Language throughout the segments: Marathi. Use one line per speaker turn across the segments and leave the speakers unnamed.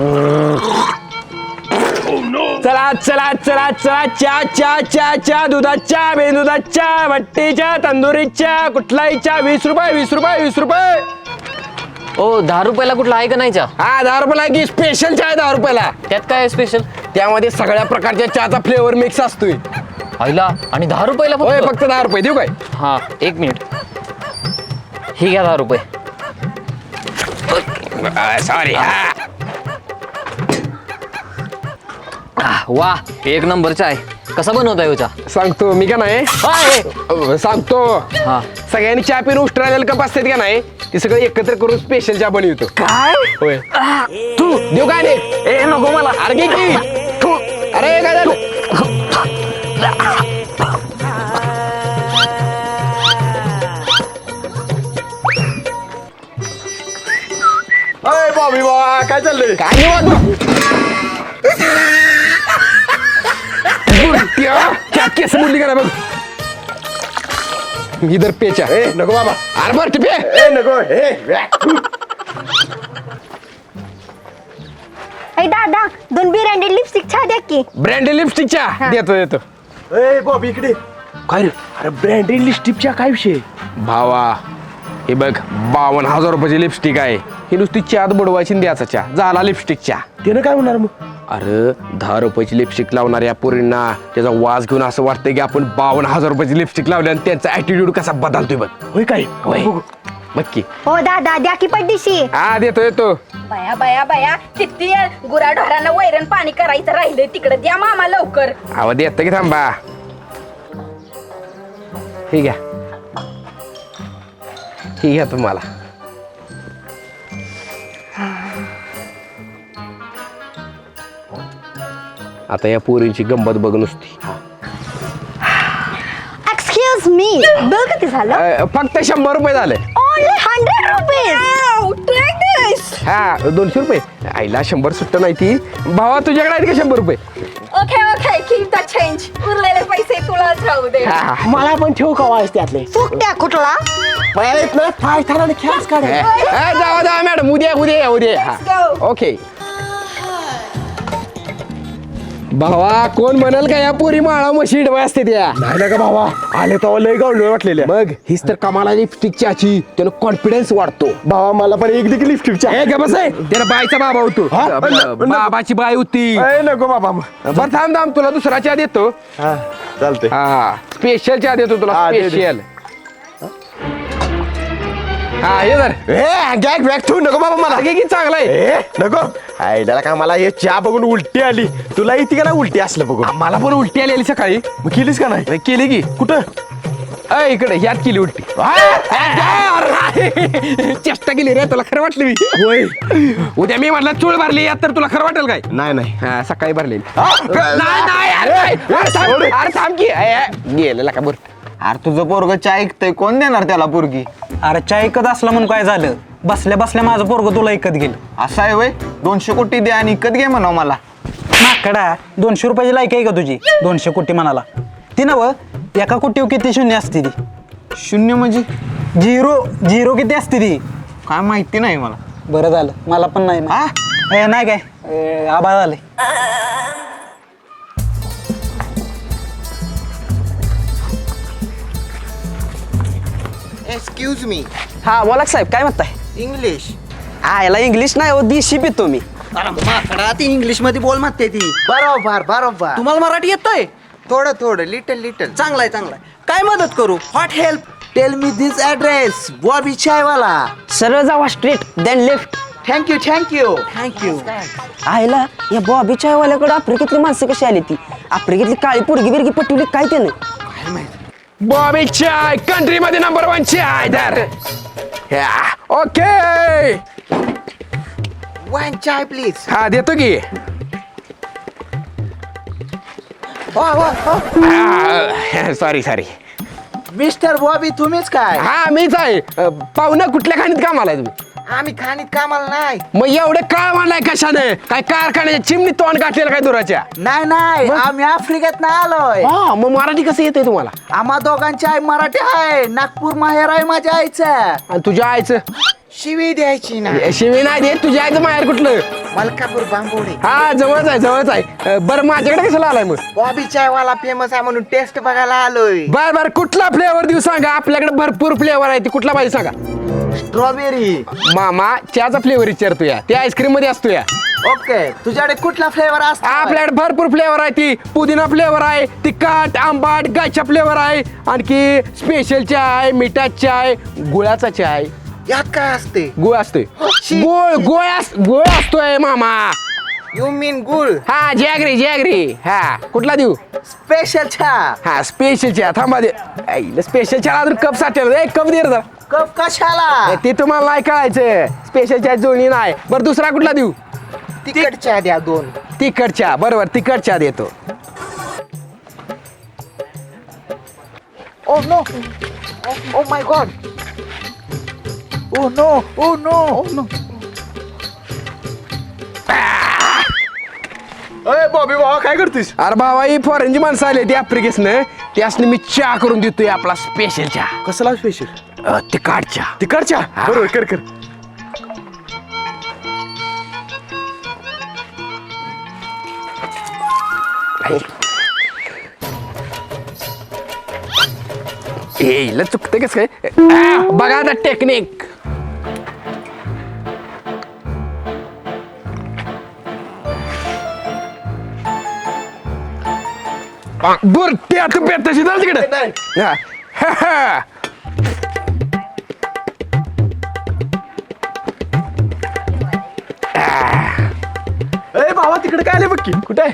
चला चला चला चला चा चा चा चा दुधाच्या बेदुधाच्या भट्टीच्या तंदुरीच्या कुठलाही चा 20 रुपये 20 रुपये 20 रुपये.
ओ 10 रुपयाला कुठला आहे का नाही चहा?
हा 10 रुपयाला की स्पेशल चहा आहे 10 रुपयाला.
त्यात काय आहे स्पेशल?
त्यामध्ये सगळ्या प्रकारच्या चहाचा फ्लेवर मिक्स असतोय.
आईला आणि 10 रुपयाला
होय फक्त 10 रुपये देऊ काय?
हा 1 मिनिट. ही घ्या 10 रुपये.
सॉरी.
वा 1 नंबरचा आहे. कसा बनवताय हो चहा?
सांगतो मी का नाही सांगतो.
हा
सगळ्यांनी चहा पिऊन उष्ट्रालेलं कप असतात का नाही ते सगळं एकत्र करून स्पेशल चहा बनवतो.
काय?
होय तू देऊ काय नाही?
ए नको मला.
अरे घे की. अरे काय झालं?
अय बॉबी बा काय चाललंय?
काय निवांत केस मुरली का बघ इधर पेचा.
ए नको बाबा.
अरे बरं टिपे.
ए नको ए
ऐ दादा 2 ब्रँडेड लिपस्टिक छा द्या की.
ब्रँडेड लिपस्टिकच्या देतो देतो.
ए बॉबी इकडे.
काय रे?
अरे ब्रँडेड लिपस्टिकच्या काय विषय?
भावा हे बघ 52,000 रुपयाची लिपस्टिक आहे. ही नुसती चहात बुडवायची आणि द्यायचा चहा झाला लिपस्टिक चहा.
त्यानं काय होणार मग?
अरे 10 रुपयाची लिपस्टिक लावणाऱ्या पोरींना त्याचा वास घेऊन असं वाटतंय की आपण 52,000 रुपयाची लिपस्टिक लावली आणि त्यांचा ऍटिट्यूड कसा बदलतोय बघ.
होय काय?
होय.
बघू.
बघ की.
हो दादा द्या की पड्डीशी.
हा देतो येतो.
बाया बाया बाया किती गुराढोरांना वैरण पाणी करायचं राहिलंय तिकडे द्या मामा लवकर.
आवाज येतं की थांबा. ठीक आहे ठीक आहे तुम्हाला. आता या पोरींची गंमत बघ नुसती.
एक्सक्यूज मी बिल किती झालं?
फक्त 100 रुपये झाले.
Only 100 rupees.
हा 200 रुपये. आईला 100 सुट्ट नाही ती. भावा तुझ्याकडे आहेत का 100 रुपये?
Okay okay keep the change उरलेले पैसे तुलाच राहू दे.
हा.
मला पण ठेव का वाज त्यातले?
फुकट्या कुठला?
पहिलेच ना फाय थाराने खेळच काढ.
जावा जावा मॅडम उद्या उद्या उद्या.
Let's go.
ओके. भावा कोण म्हणाल का या पोरी माळा मशी डबा असते त्या.
नाही ना का भावा आले तर लय गावलं वाटलेल्या.
मग हीच तर कमाला लिपस्टिकची आची त्यानं कॉन्फिडन्स वाढतो.
भावा मला पण एक देखील लिपस्टिकच्या.
हे ग बस आहे त्याला बाईचा बाबा होतो.
हा?
बाबाची बाई होती.
ए नको बाबा.
बरं थांब थांब तुला दुसरा चहा देतो.
हा चालतंय.
हा स्पेशल चहा देतो तुला
हा, दे, दे.
स्पेशल. हा हे जर
ए गॅग बॅग तू नको बाबा मला.
की चांगला आहे.
ए नको. आयडाला का मला हे चहा बघून उलटी आली. तुला येते का ना उलटी असलं बघून?
मला पण उलटी आलेली सकाळी.
मग केलीस का नाही?
केली की
कुठं?
इकडे ह्यात केली उलटी. चेष्टा केली रे तुला खरं वाटलं मी.
होय.
उद्या मी म्हटलं चूळ भरली यात तर तुला खरं वाटेल काय?
नाही नाही.
हा सकाळी भरलेली.
हा?
नाही नाही अरे थांब की गेलेला का बरं.
अरे तुझं पोरग चहा ऐकतंय कोण देणार त्याला पोरगी?
अरे चहा ऐकत असला म्हणून काय झालं? बसल्या बसल्या माझं पोरग तुला ऐकत गेलं.
असं आहे वय 200 कोटी दे आणि इकत घे म्हणाव मला.
माकडा 200 रुपयाची लायक आहे का तुझी? 200 कोटी म्हणाला ती नव. एका कोटीवर किती शून्य असते ती?
शून्य म्हणजे?
झिरो किती असते ती?
काय माहिती नाही मला.
बरं झालं मला पण नाही माहित. नाही काय आबा झाले.
Excuse me.
हा बोला साहेब काय म्हणताय?
इंग्लिश.
हा याला इंग्लिश नाही हो देशी पितो मी.
अरे माकडा ती इंग्लिश मध्ये बोल म्हणते ती. बरोबर बरोबर.
तुम्हाला मराठी येतंय?
थोडं थोडं लिटल लिटल.
चांगलाय चांगलाय. काय मदत करू?
What help? Tell me this address. Bobby chaiwala.
सरळ जावा straight then left.
Thank you thank you thank you.
आयला या बॉबी चायवाल्याकडे आफ्रिकेतली माणसं कशी आली ती? आफ्रिकेतली काळी पोरगी बिरगी पटवली काय त्यानं?
बॉबी चाय कंट्री मध्ये नंबर 1 चाय दर. Okay
one chai please.
हा देतो की. Sorry sorry.
मिस्टर बॉबी तुम्हीच काय?
हा मीच आहे. पाहुणं कुठल्या खाणीत कामाला आहे तुम्ही?
आम्ही खाणीत कामाला नाही.
मग एवढे काळ मांडलाय कशाने? काय कारखान्याच्या चिमणी तोंड गाठलेलं काय दुराच्या?
नाही नाही आम्ही आफ्रिकेत नाही आलोय.
हा मग मराठी कसं येते तुम्हाला?
आम्हा दोघांची आई मराठी आहे. नागपूर माहेर आहे माझ्या आईचं.
आणि तुझ्या आईचं
शिवी द्यायची ना.
शिवी नाही देत, तुझ्या आईचं माहेर कुठलं?
मलकापूर बांबोडे.
हा जवळच आहे जवळच आहे. बरं माझ्याकडे कशाला आलाय मग?
बॉबी चायवाला फेमस आहे म्हणून टेस्ट बघायला आलोय.
बर कुठला फ्लेवर देऊ सांगा, आपल्याकडे भरपूर फ्लेवर आहे, ती कुठला पाहिजे सांगा.
स्ट्रॉबेरी.
मामा चहाचा फ्लेवर विचारतो या, ते आईस्क्रीम मध्ये असतो या.
ओके, तुझ्याकडे कुठला फ्लेवर असतो?
आपल्याकडे भरपूर फ्लेवर आहे, ती पुदिना फ्लेवर आहे, तिखट आंबाट गायचा फ्लेवर आहे, आणखी स्पेशल चहा आहे, मिठाचा चहा आहे, गुळाचा चहा आहे.
यात काय असते?
गुळ असतोय. गोळ असतोय मामा.
यू मीन गुळ.
हा जॅगरी. हा कुठला देऊ?
स्पेशल चहा.
हा स्पेशल चहा. थांबा दे, स्पेशल चहा अजून कप साठेल, एक कप दे रे जरा.
कप कशाला?
ते तुम्हाला नाही कळायचं, स्पेशल चहा जोडी नाही. बरं दुसरा कुठला देऊ?
तिखट चहा द्या 2.
तिखट चहा. बरोबर तिखट चहा देतो.
Oh no. Oh my god. Oh no. Oh no. Oh no.
अय बॉबी भावा काय करतोस?
अरे बाबा ही फॉरेनची माणसं आली ती आफ्रिकेसनं, त्यासने मी चहा करून देतोय आपला स्पेशल चहा.
कसला स्पेशल?
तिखट चहा.
तिकडच्या बरोबर कर.
हिला चुकते कस काय? बघा आता टेक्निक. बुरट्या तू बेताशी जाल तिकडे.
अय भावा तिकडे काय आले बघ की.
कुठे?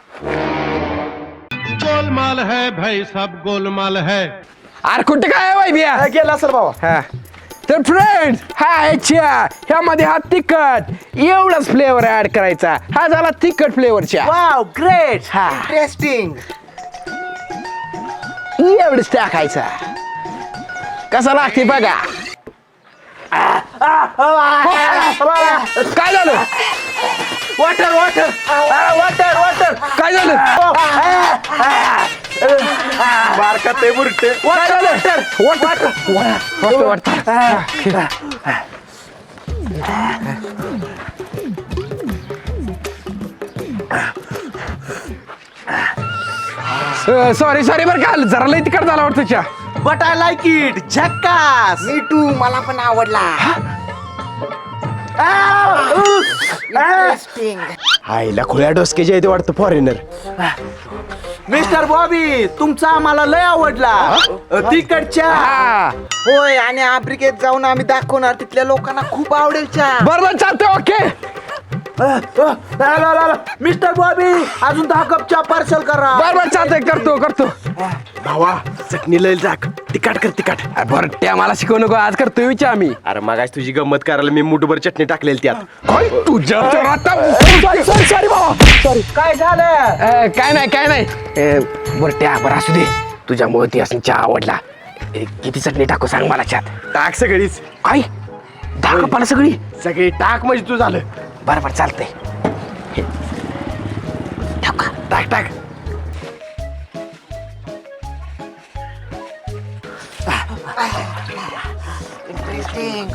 गोलमाल है भाई, सब गोलमाल है.
अरे कुठे काय वाई बिया?
गेला असेल भावा.
हा तर फ्रेंड्स, हा आहे चहा. ह्यामध्ये हा तिखट एवढाच फ्लेवर ऍड करायचा. हा झाला तिखट फ्लेवर चहा.
Wow, great.
हा.
इंटरेस्टिंग.
एवढंच टाकायचा. कसा लागते बघा. काय झालं?
वॉटर.
काय झालं?
बारका ते बुरटे.
काय झालं? वाटर. सॉरी बरं का, जरा लई तिखट झाला वाटतं चहा.
But I like it. झक्कास. Me too. मला पण आवडला. इंटरेस्टिंग.
आईला खुल्या डोसकेचे येते वाटतं फॉरेनर.
मिस्टर बॉबी, तुमचा आम्हाला लय आवडला. तिखट चहा.
हा.
होय, आणि आफ्रिकेत जाऊन आम्ही दाखवणार, तिथल्या लोकांना खूप आवडेल चहा.
बरोबर चालतंय. ओके.
मिस्टर बॉबी, अजून 10 कप चहा पार्सल करा.
बरोबर चालतंय. करतो.
भावा चटणी लय टाक. तिखट कर तिखट.
बरं त्या मला शिकवू नको, आज करतोय विचार आम्ही.
अरे मगाच तुझी गंमत करायला मी मुठभर चटणी टाकलेली त्यात.
काय तुझ्या तर आता सॉरी बाबा.
काय झालं?
काय नाही. बरं त्या बरं असू दे, तुझ्यामुळे ती असं चहा आवडला. किती चटणी टाकू सांग मला चहात.
टाक सगळीच.
काय 10 कपाला सगळी?
सगळी टाक म्हणजे तू झालं.
बरोबर चालतंय.
टाक.
इंटरेस्टिंग.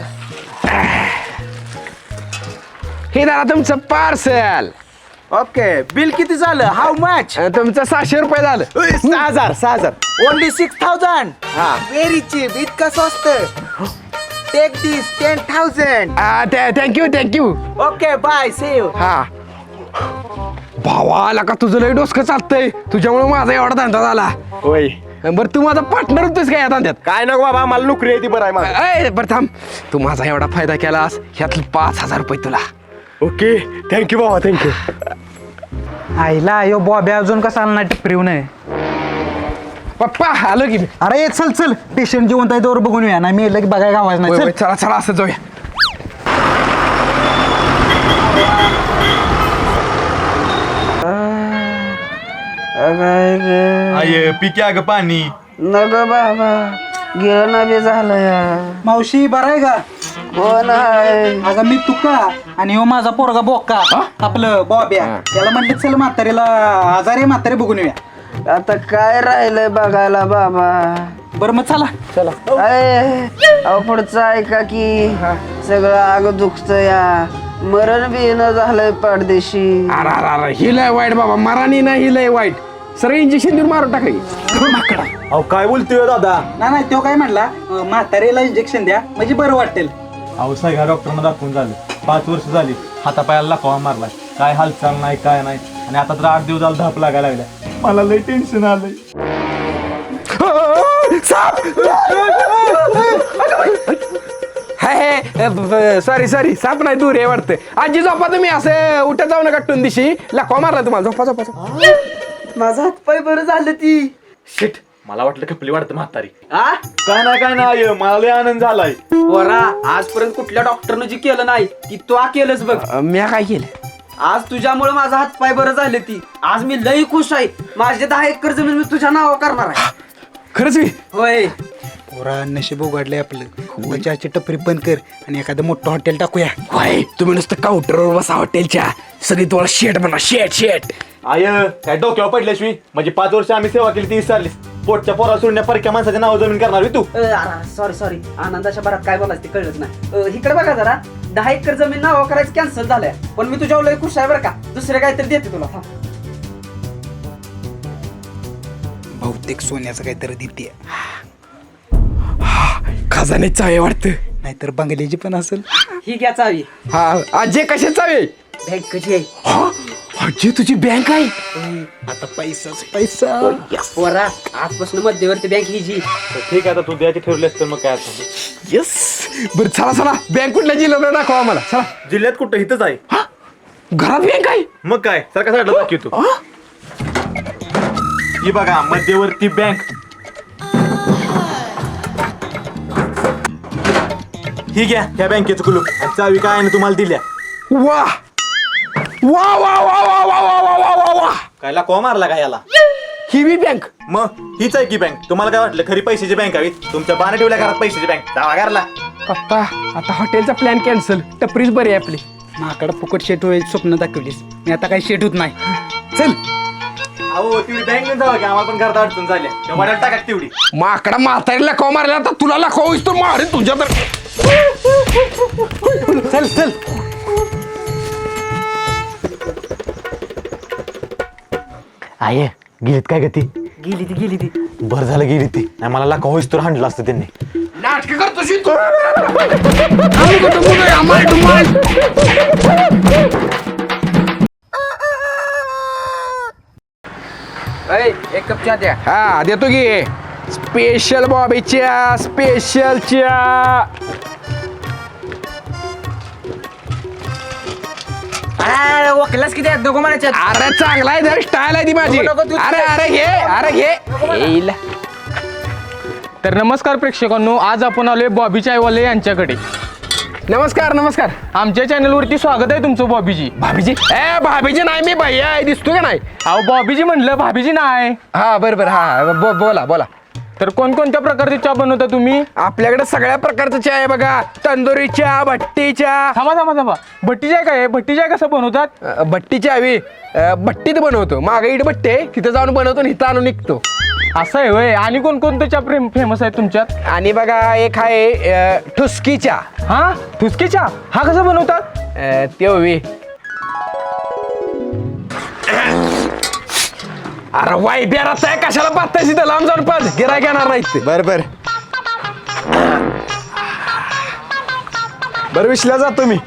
हे दादा तुमचं पार्सल.
ओके, बिल किती झालं? How much?
तुमचं 600 रुपये झालं.
6,000.
ओनली 6,000. Very cheap. इतकं स्वस्त. Take this 10,000.
Thank you.
Okay, bye. See you.
हा भावा आला का तुझं लय डोसकं चालतंय, तुझ्यामुळे माझा एवढा धंदा झाला.
होय.
बरं तू माझा पार्टनर होतोस का या धंद्यात?
काय नको बाबा, मला नोकरी आहे ती बरं आहे मला.
बरं थांब, तू माझा एवढा फायदा केलास, ह्यातलं 5,000 रुपये तुला.
ओके थँक्यू बाबा थँक्यू.
आईला यो बॉब्या अजून कसा आला नाही टिपरीव नाही.
पप्पा आलो की मी.
अरे चल पेशंट जिवंत आहे तोवर बघून या. नाही मी लगे बघायला गावायचं नाही. चल.
चला असं जाऊया.
आये पी क्या ग पाणी.
नग बाबा गेलं ना बे झालं या.
मावशी बरं आहे का?
हो नाही.
अगं मी तुका आणि हो माझा पोरगा बोक्का आपलं बॉब्या. त्याला म्हणले चल म्हातारीला आजारी म्हातारी बघून येऊया.
आता काय राहिलंय बघायला बाबा.
बरं मग चला.
अहो पुढचं ऐका की सगळं आग दुखतं या मरण बिन झालंय परदेशी.
अरे ही लय वाईट बाबा, मराठी ना ही लय वाईट. सगळं इंजेक्शन देऊन मारून टाकाय.
अहो काय बोलतोय दादा?
नाही तो काय म्हणला म्हातारीला इंजेक्शन द्या म्हणजे बरं वाटेल.
अहो सगळ्या डॉक्टरांना दाखवून झालं, 5 वर्ष झाली, हातापायाला लाकवा मारलाय, काय हालचाल नाही काय नाही, आणि आता तर 8 दिवस झाला धाप लागायला लागल्या. मला लय टेन्शन आलंय.
सॉरी साप नाही, दूर आहे वाटतं. आजी झोपा तुम्ही, असं उठत जाऊ नका टून दिशी. लकवा मारला तुम्हाला. झोपा झोपा झोपा.
माझा हातपाय बरं झालं ती.
शिट, मला वाटलं खपली वाटतं म्हातारी. काय नाही मला लय आनंद झालाय.
पोरा आजपर्यंत कुठल्या डॉक्टरनं जी केलं नाही ती तू केलंच बघ.
मी काय केलं?
आज तुझ्यामुळे माझा हातपाय बरं झाले ती. आज मी लई खुश आहे. माझे 10 एकर जमीन मी तुझ्या नावावर करणार आहे.
खरंच मी?
होय.
पोरा नशीब उघडलंय आपलं. चहाची टपरी बंद कर आणि एखादं मोठं हॉटेल टाकूया.
होय, तुम्ही नुसतं काउंटरवर बसा हॉटेलच्या. सगळी तुम्हाला शेट म्हणा, शेट.
आय काय डोक्यावर पडल्याशिवाय म्हणजे 5 वर्ष आम्ही सेवा केली ती विसरलीस. पोटच्या पोरा सोडण्या परक्या माणसाच्या नाव जमीन करणार तू.
सॉरी आनंदाच्या भरात काय बोलायचं ते कळलंच नाही. इकडे बघा जरा, 10 एकर जमीन नाव करायचं कॅन्सल झालंय. पण मी तुझ्यावर लई खुश आहे बरं का. दुसरे काहीतरी देते तुला.
बहुतेक सोन्याचं काहीतरी देते,
खजाने चावे वाटतं.
नाहीतर बंगल्याची पण असेल.
ही घ्या चावी.
हा आजी कशात चावे?
बँकेची आहे.
आजी तुझी बँक आहे?
आता पैसाच पैसा.
पोरा आजपासून मध्यवर्ती बँक ही जी.
ठीक आहे, आता तू द्यायची ठरलेस तर मग काय आता.
येस. बरं चला बँक कुठल्या जिल्ह्यात दाखवा आम्हाला. चला.
जिल्ह्यात कुठं इथंच आहे.
घरात बँक आहे?
मग काय सारखा साईडला दाखवतो. ही बघा मध्यवर्ती बँक. ही घ्या ह्या बँकेचं कुलूप आणि चावी काय आहे तुम्हाला दिल्या.
वा वा वा वा वा वा वा वा वा वा वा.
कायला को मारला का याला.
ही बी बँक?
मग हीच आहे की बँक. तुम्हाला काय वाटलं खरी पैशाची बँक हवी? तुमच्या बाने ठेवल्या घरात पैशाची बँक. जावा घरला.
पप्पा आता हॉटेलचा प्लॅन कॅन्सल. टपरीच बरी आहे आपली.
माकडं फुकट शेट होईल स्वप्न दाखवलीस. मी आता काही शेट होत नाही.
चल.
अहो तेवढी बँक घेऊन जावा की आम्हाला पण घरात अडचण झाल्या. त्या वाड्यात टाका तेवढी.
माकडा म्हातारीला लकवा मारला तर तुला लकवा होईस तो मारेन तुझ्या तर. चल.
आये गेलीत काय गती?
गेली ती.
बरं झालं गेली ती. नाही मला लाका होईस तर हाणलं असतं त्यांनी.
नाटक करतोशी तू.
एक कप चहा द्या.
हा देतो की. स्पेशल बॉबीच्या स्पेशलच्या.
वकिलास किती दोघं म्हणायचे.
अरे चांगला आहे जर स्टाईल आहे ती माझी. अरे घे.
तर नमस्कार प्रेक्षकांनो, आज आपण आलोय बॉबी चायवाले यांच्याकडे.
नमस्कार.
आमच्या चॅनलवरती स्वागत आहे तुमचं बॉबीजी.
भाभीजी नाही, मी भैया आहे. दिसतो का नाही?
अहो बॉबीजी म्हणलं, भाभीजी नाही.
हा बरोबर. हा बोला.
तर कोणकोणत्या प्रकारची चहा बनवता तुम्ही?
आपल्याकडे सगळ्या प्रकारचं चहा आहे बघा. तंदुरी चहा, भट्टी चहा.
थांबा. भट्टी चाय काय आहे? भट्टी चाय कसं बनवतात?
भट्टी चहा हवी. भट्टीत बनवतो. मागे इट भट्टी आहे, तिथं जाऊन बनवतो आणि इथं आणून निघतो.
असं आहे होय. आणि कोणकोणतं चहा फेमस आहे तुमच्यात?
आणि बघा एक आहे ठुसकी चहा.
हा ठुसकी चहा. हा कसा बनवतात?
ते हवी. अरे वाई बेरात आहे, कशाला पाहताय तिथं लांब जाऊन पाच. गिराय घेणार नाही.
बरं विसल्या जातो मी.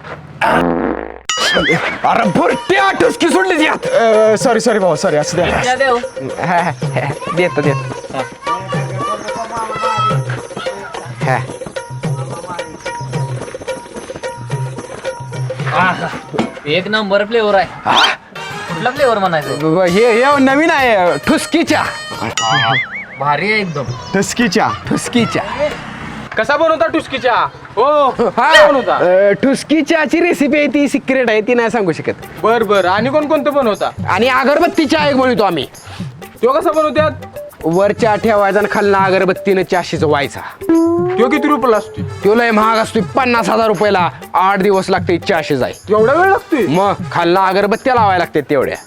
अरे भरट्या ठुसकी सोडली यात.
सॉरी भाऊ सॉरी. असं द्या.
देतो.
एक नंबर फ्लेवर आहे. कुठला फ्लेवर म्हणायचं?
हे नवीन आहे ठुसकी चहा.
भारी आहे एकदम.
ठसकी चहा.
कसा बनवता ठुसकी चहा? बनवता.
ठुसकी चहाची रेसिपी आहे ती सिक्रेट आहे, ती नाही सांगू शकत.
बर. आणि कोणकोणतं बनवता?
आणि अगरबत्ती चहा एक बनवतो आम्ही.
तो कसा बनवतात?
वर चहा ठेवायचा आणि खालना अगरबत्तीनं चहा शिजवायचा.
तो किती रुपयाला असतो?
तो लय महाग असतो. 50,000 रुपयाला. 8 दिवस लागते चहा शिजाय.
एवढा वेळ लागतोय?
मग खालना अगरबत्त्या लावायला लागते तेवढ्या.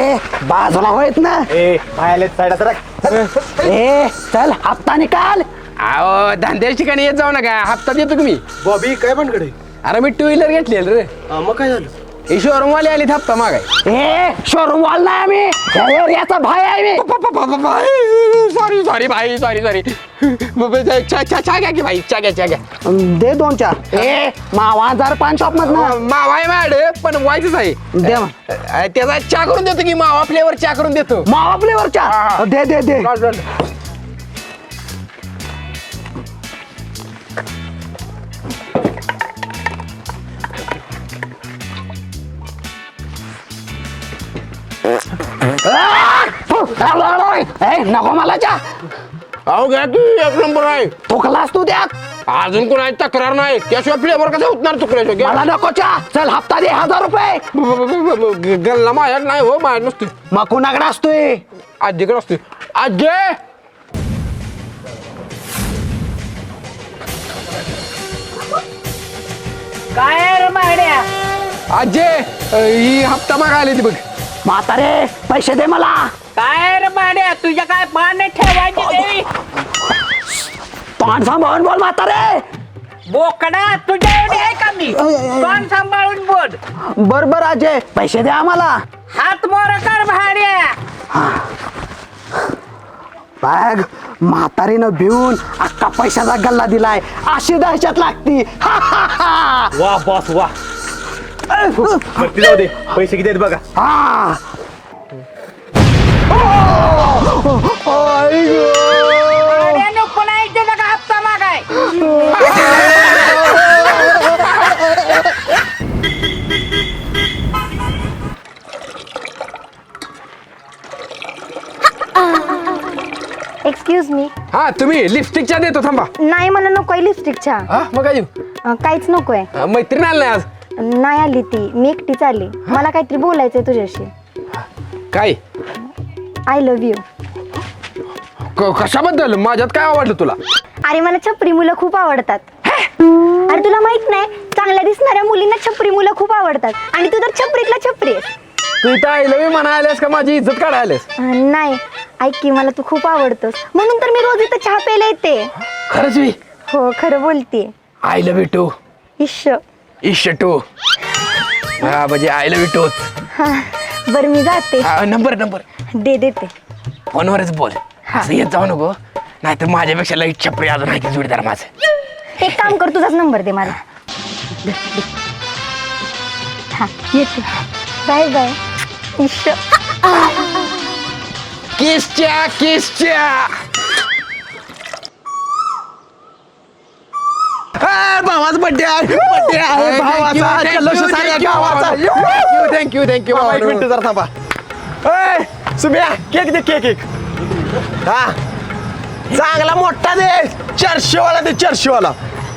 बाजूला होत ना.
बाहेर साईड
चल हप्ता निकाल.
अहो धंद्याच्या ठिकाणी येत जाऊ नका हप्ता देतो की मी.
बॉबी काय बनकडे
अरे मी टू व्हीलर घेतलेलं रे.
मग काय झालं?
हे शोरूम वाले आली हप्ता मागाय. शोरूम वाला नाही आम्ही याचा भाई आहे मी. सॉरी भाई सॉरी चहा घ्या की भाई चहा घ्या.
दे 2 चहा. मावा 1005 शॉप मधनं.
मावा आहे मॅड पण व्हायचंच आहे.
दे मग.
त्याचा चहा करून देतो की मावा फ्लेवर चहा करून देतो.
मावा फ्लेवर चहा. दे दे दे. नको मला चहा.
अहो घ्या की 1 नंबर आहे.
तो क्लास तू द्या.
अजून कोणाची तक्रार नाही त्याशिवाय फ्लेवर कसं उतणार चुकल्याशिवाय.
मला नको चहा. चल हप्ता दे 1000 रुपये.
गल्ला माझ्यात नाही हो माझ्या नसते.
मग कुणाकडे असतोय?
आजीकडे असते. आजी
काय माड्या
आजी ही हप्ता मागायला ती बघ.
म्हातारे पैसे दे मला.
काय रे माड्या तुझ्या काय पाने ठेवायची देवी
तोंड सांभाळून बोल म्हातारे.
बोकडा तुझ्या एवढी आहे का मी कोण सांभाळून बोल.
बर बर अजय पैसे दे आम्हाला.
हात मोर कर भाड्या.
बघ म्हातारीनं भिवून अख्खा पैशाचा गल्ला दिलाय. अशी दहशत लागती.
वा बॉस वा. बरं जाऊ दे पैसे किती आहेत बघा.
हा
भाड्या नको नाही त्याचा का हप्ता मागाय.
Excuse me.
हा तुम्ही लिपस्टिकच्या देतो थांबा.
नाही मला नकोय लिपस्टिकच्या.
हा मग काय देऊ?
काहीच नकोय.
मैत्रीण आली नाही आज.
नाही आली ती. मी एकटीच आली. मला काहीतरी बोलायचंय तुझ्याशी.
काय
आय लव्ह यू.
कशाबद्दल माझ्यात काय आवडलं तुला?
अरे मला छपरी मुलं खूप आवडतात. अरे तुला माहित नाही चांगल्या दिसणाऱ्या मुलींना छपरी मुलं खूप आवडतात. आणि तू तर छपरीतला छपरी आहेस.
तू इथं आयलं मी म्हणा आल्यास का माझी इज्जत काढायलास?
नाही ऐक की मला तू खूप आवडतोस म्हणून तर मी रोज इथं चहा प्यायला येते.
खरंच मी
हो खरं बोलतेय.
I love you too.
इश्श.
इश टू. हा म्हणजे आय लव्ह यू टू.
हा बरं मी जाते.
नंबर
देते.
फोनवरच बोल. असं येत जाऊ नको नाहीतर माझ्यापेक्षा लई छपरी अजून आहे की जोडीदार माझं.
एक काम कर तुझाच नंबर दे मला. हा येते. Bye bye. इश्श.
किसच्या
भावाचा बड्डे आहे भावाचा. जल्लोष साऱ्या गावाचा.
थँक्यू
बाबा, 1 मिनिट जरा थांबा. ए, सुम्या केक दे केक. हा चांगला मोठा दे. 400 वाला दे 400 वाला.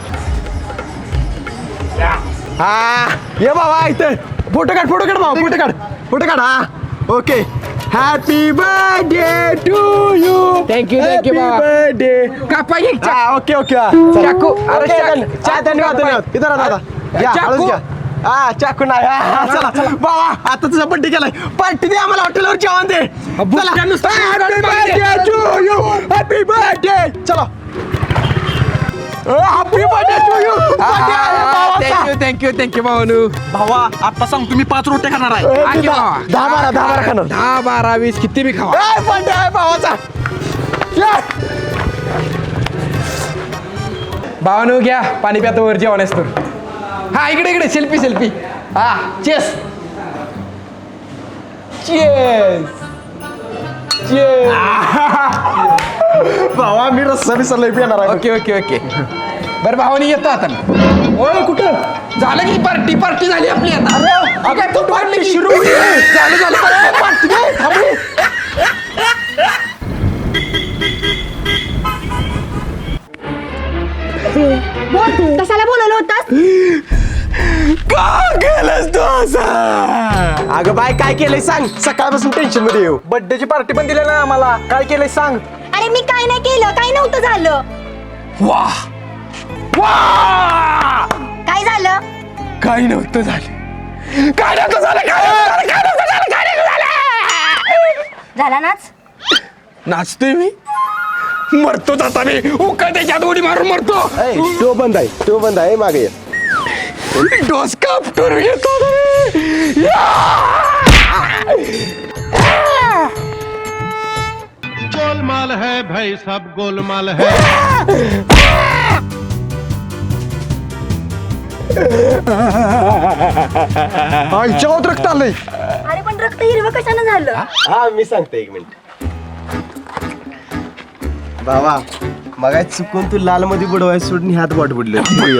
हा ये बाबा इथं फोटो काढ भाऊ. फोटो काढ. हा okay. Happy birthday to you.
Thank you
birthday.
कापा घे.
हा ओके
चाकू. अरे
धन्यवाद. इथं दादा घ्या
चाकू.
हळूच घ्या. हा चाकू नाही. हा, चला बाबा आता तुझा बड्डे केलाय. पार्टी दे आम्हाला हॉटेलवर जेवण दे. Happy birthday. चला happy birthday to you.
Thank you भावानू.
भावा आता सांग तुम्ही 5 रोट्या खाणार आहे.
10-12 खाणार.
10, 12, 20 किती बी खावा.
बर्थडे आहे भावाचा.
भावानू घ्या पाणी प्यातो वर जेवण असतो. हा इकडे सेल्फी. हा चेस.
भावा मी रस्सा विसरलोय पिणार आहे.
ओके बरं भावानी येतो आता.
ओय कुठं
झालं की पार्टी झाली आपली आता.
अगं तू पार्टी सुरू
झालं
पार्टी दे. थांबू.
बोल कशाला बोलवलं होतास?
का केलंस तू असं? अगं बाय काय केलंय सांग. सकाळपासून टेन्शन मध्ये येऊ.
बर्थडेची पार्टी पण दिली ना आम्हाला. काय केलंय सांग.
अरे मी काय नाही केलं. काही नव्हतं झालं.
वाह
काय झालं?
काही नव्हतं झालं.
झाला नाच.
नाचतोय मी. मरतोच आता मी उका त्याच्यात उडी मारून मरतो.
तो बंद आहे मागे ये.
डोसका उपटून घेतो रे.
गोलमाल है भाई सब गोलमाल है.
आईच्यावर रक्त आलंय.
अरे पण रक्त हिरवं कशानं झालं?
हा मी सांगते 1 मिनिट. बाबा मग चुकून तू लाल मध्ये बुडवाय सोडून हात बोट बुडले.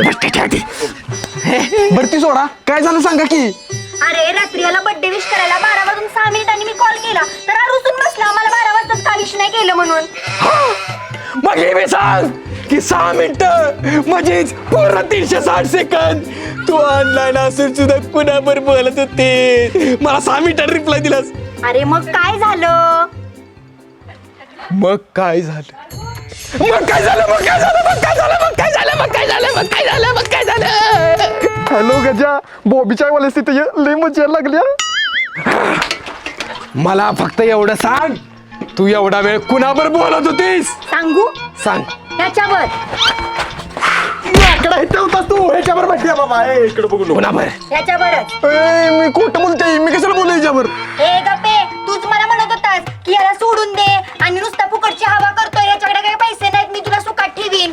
भरती सोडा काय झालं सांगा की.
अरे रात्री याला बर्थडे विश करायला 12 वाजून 6 मिनिटांनी मी कॉल केला तर रुसून बसला मला 12 वाजताच का विश नाही केलं म्हणून.
मग हे मी सांग की 6 मिनिटं म्हणजेच पूर्ण 360 सेकंद तू ऑनलाईन असून सुद्धा कुणावर बोलत होते. मला 6 मिनिटात रिप्लाय दिलास.
अरे मग काय झालं?
मग काय झालं मग काय झालं मग काय झालं मग काय झालं मग काय झालं मग काय झालं मग काय झालं मग काय झालं.
हॅलो गजा बॉबीच्या वाले तिथे लय मजा लागल्या.
मला फक्त एवढं सांग तू एवढा वेळ कुणावर बोलत होतीस.
सांगू
सांग.
त्याच्यावर
लाकडा इथे होतास तू ह्याच्यावर बसल्या बाबा. इकडे बघू नको.
कुणावर.
त्याच्यावरच.
मी खोटं बोलते. मी कशाला बोलू याच्यावर.
हे गप्पे तूच मला म्हणत होतास की याला सोडून दे आणि नुसता फुकटची हवा करतोय याच्याकडे काही पैसे नाहीत मी तुला सुखात ठेवीन.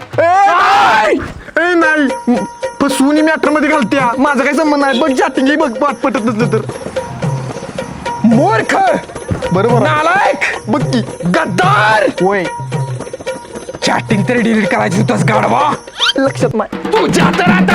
नाही फसवून मॅटर मध्ये घालत्या. माझा काही संबंध नाही. बघ चॅटिंग बघ पाठ पटत नसलं तर.
मूर्ख
बरोबर आहे.
नालायक
बघ की
गद्दार.
होय
चॅटिंग तरी डिलीट करायची होतास गाढवा.
लक्षात नाही.
तुझ्या तर आता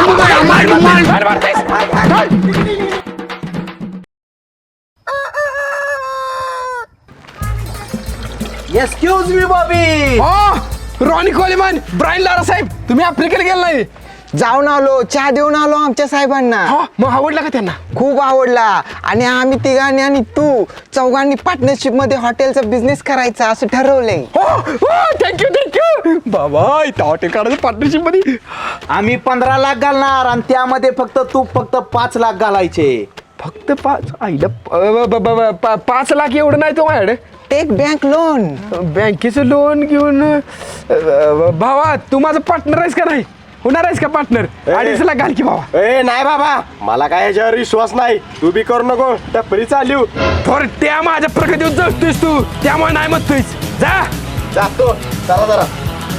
excuse me Bobby.
Ronnie Coleman Brian Lara साहेब तुम्ही आफ्रिकेला गेला नाही.
जाऊन आलो चहा देऊन आलो आमच्या साहेबांना.
मग आवडला का त्यांना.
खूप आवडला आणि आम्ही तिघांनी आणि तू चौघांनी पार्टनरशिप मध्ये हॉटेलचा बिझनेस करायचा असं ठरवलंय.
थँक्यू बाबा इथं हॉटेल काढायचं पार्टनरशिप मध्ये.
आम्ही 15 लाख घालणार आणि त्यामध्ये तू फक्त 5 लाख घालायचे.
फक्त 5 आईला 5 लाख एवढं नाही तो माझ्याकडे.
Take bank loan.
बँकेचं लोन घेऊन भावा तू माझा पार्टनर आहेस का नाही. होणार आहेस का पार्टनर. 2.5 लाख घाल की भावा.
नाही बाबा मला काय याच्यावर विश्वास नाही. तू बी करू नको. टपरी चालू
थोर त्या माझ्या प्रगतीवर जगतोयस तू त्यामुळे नाही म्हणतोयस. जा
जातो. चला जरा.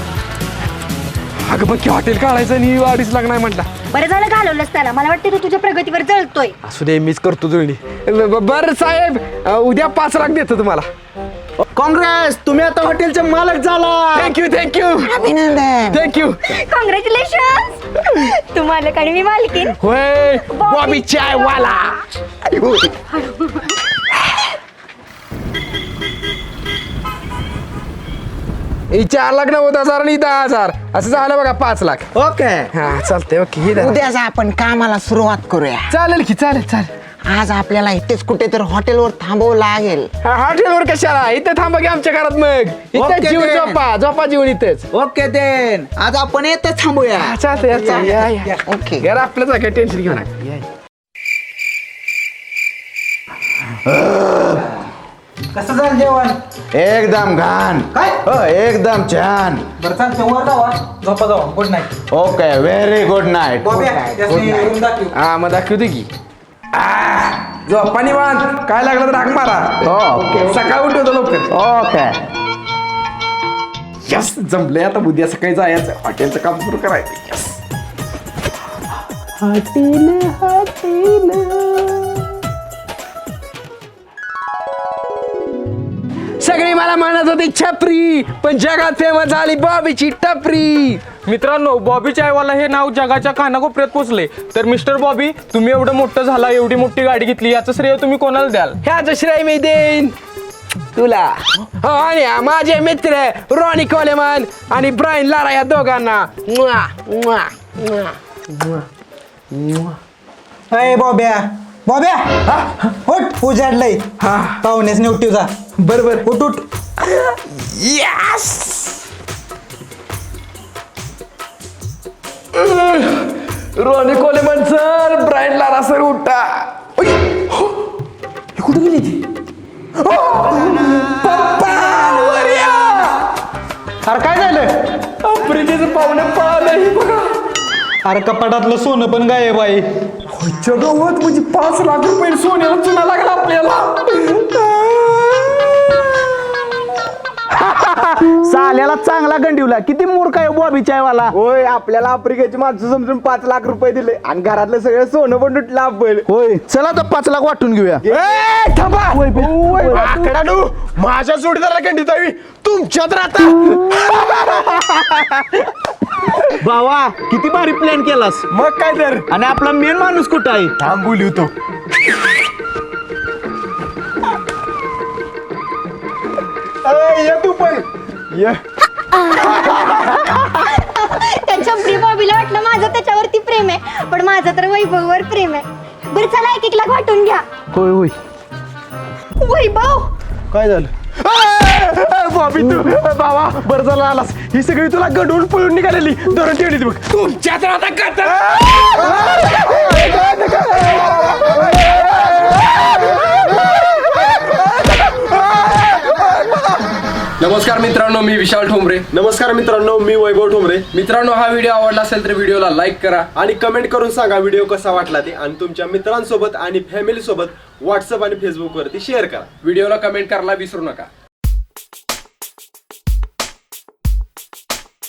अगं बघ की हॉटेल काढायचं आणि 2.5 लाख नाही म्हटला.
बरं झालं घालवलंस त्याला. मला वाटतं तू तुझ्या प्रगतीवर जळतोय.
असू दे मीच करतो जुळणी. बरं साहेब उद्या 5 लाख देतो तुम्हाला.
काँग्रेस तुम्ही आता हॉटेलचे मालक झाला.
थँक्यू
अभिनंदन.
थँक्यू.
कॉंग्रॅच्युलेशन. तू मालक आणि मी मालकीन.
होय बॉबी चाय वाला. ही 4 लाख 90,000 आणि 10,000 असं झालं बघा 5 लाख.
ओके.
हा चालतंय ओके. हे धरा.
उद्याच आपण कामाला सुरुवात करूया.
चालेल की चालेल.
आज आपल्याला इथेच कुठेतरी हॉटेलवर थांबावं लागेल.
हॉटेलवर कशाला इथं थांबा की आमच्या घरात. मग इथं
ओके,
जीवन
then.
झोपा जीवन इथंच.
ओके देन आज आपण येतच थांबूया.
चालतंय या.
ओके.
घर आपलंच आहे काय टेन्शन घेऊ नका. या.
कसं झालं जेवण.
एकदम घाण.
काय
एकदम छान.
बरं चालतं वर जावा झोपा जावा. Good night.
Okay very good night.
Room दाखव.
हा मग दाखवते की. झोपा निवांत काय लागलं तर हाक मारा.
ओके
सकाळी उठवतो लवकर.
ओके.
यस जमलंय आता उद्या सकाळी जायचं हॉटेलचं काम सुरू करायचं. यस सगळी मला म्हणत होती छपरी पण जगात फेमस झाली बॉबीची टपरी.
मित्रांनो बॉबी चायवाला हे नाव जगाच्या कानाकोपऱ्यात पोचले. तर मिस्टर बॉबी तुम्ही एवढं मोठं झाला एवढी मोठी गाडी घेतली याचं श्रेय तुम्ही कोणाला द्याल.
ह्याचं श्रेय मी देईन तुला. आणि माझे मित्र रॉनी कोलेमन आणि ब्रायन लारा या दोघांना.
अय बॉब्या उठ उजाडलंय. पाहुण्यास नेवटीचा.
बरोबर
उठ उठ.
Yes Ronnie Coleman sir Brian Lara sir उठा. कुठे गेली ती. पप्पा
अरे काय झालं
आफ्रिकेचं पाहुणं पळालं बघा.
अरे कपाटातलं सोनं पण गायब आहे.
जगावत म्हणजे 5 लाख रुपये सोन्याला चुना लागला आपल्याला.
साल्याला चांगला गंडीवला. किती मूर्ख आहे बॉबी चायवाला. होय आपल्याला आफ्रिकेची माणसं समजून 5 लाख रुपये दिले आणि घरातलं सगळं सोनं पण लुटलं आपण. होय चला तर 5 लाख वाटून घेऊया.
आकडानू माझ्या जोडीदाराला गंडीत हवी तुमच्यात राहता.
भावा किती भारी प्लॅन केलास.
मग काय तर.
आणि आपला मेन माणूस कुठं आहे.
थांब बोलू तो.
ये तू पण ये.
त्या छपरी बॉबीला वाटलं माझं त्याच्यावरती प्रेम आहे, पण माझं तर वैभववर प्रेम आहे. बरं चला 1-1 लाख वाटून घ्या.
होय होय.
वैभव
काय झालं.
बॉबी तू बाबा बरं झालं आलास. ही सगळी तुला गडून पळून निघालेली धरून ठेवली बघ. तुमच्यात राहता
नमस्कार मित्रांनो, मी विशाल ठोंबरे.
नमस्कार मित्रांनो, मी वैभव ठोंबरे.
मित्रांनो, हा व्हिडिओ आवडला असेल तर व्हिडिओला लाईक करा
आणि कमेंट करून सांगा व्हिडिओ कसा वाटला ते. आणि तुमच्या मित्रांसोबत आणि फॅमिली सोबत व्हॉट्सअप आणि फेसबुक वरती शेअर करा.
व्हिडिओला कमेंट करायला विसरू नका.